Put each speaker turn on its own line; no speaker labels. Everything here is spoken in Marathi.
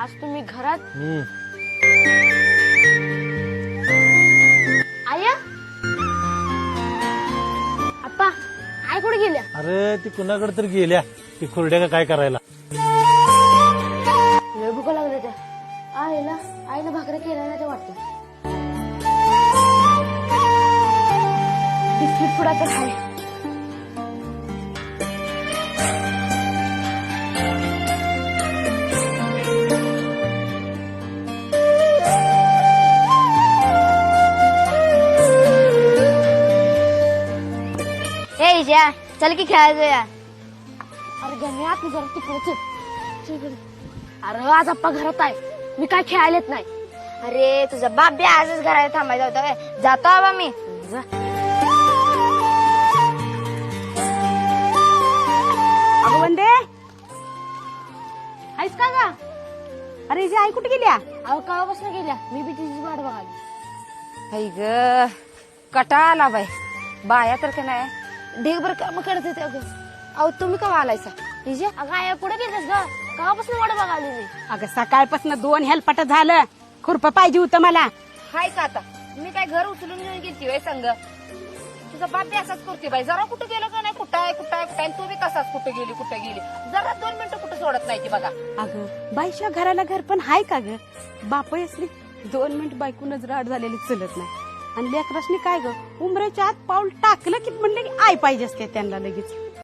आज तुम्ही घरात आया आप्पा आई कुठे गेल्या?
अरे ती कुणाकडे तर गेल्या ती खुरड्या का काय करायला.
लय भूक लागले त्या आईला भाकऱ्या केल्या नाही ते वाटतं. बिस्किट पुडा तर खाय.
चल की खेळायचं या.
अरे गण्या तू जरा तिकडे. अरे आज आप्पा घरात आहे, मी काय खेळायलाच नाही.
अरे तुझा बाप बी आजच घरात थांबायचा होता व्हय. जातो बाबा मी.
जा.
अगं वंदे आहेस का ग? अरे हिची आई कुठे गेल्या?
अहो कावापासून गेल्या, मी बी तिची वाट बघाली.
हाय ग कटाळा आला बाई. बाया तर का नाही ढीगभर काम करत होते. अगं अहो तुम्ही का आलायसा? हिजे
अगं आया कुठे गेलीस ग? कावापासून वाट बघाली मी.
अगं सकाळपासून 2 हेलपाट झालं. खुरप पाहिजे होतं मला.
हाय का आता मी काय घर उचलून घेऊन गेलती वय संग. तुझा बाप बी असाच करते बाई. जरा कुठं गेलो का नाही कुठं आहे तू बी तसाच कुठं गेली जरा 2 मिनिटं कुठं सोडत नाही ती बघा.
अगं बाईच्या घराला घर पण हाय का ग? बाप असली 2 मिनिट बायकूनच राड झालेली चलत नाही. आणि लेकरासनी काय ग उमरेच्या आत पाऊल टाकलं की म्हणलं की आई पाहिजे असते त्यांना लगेच.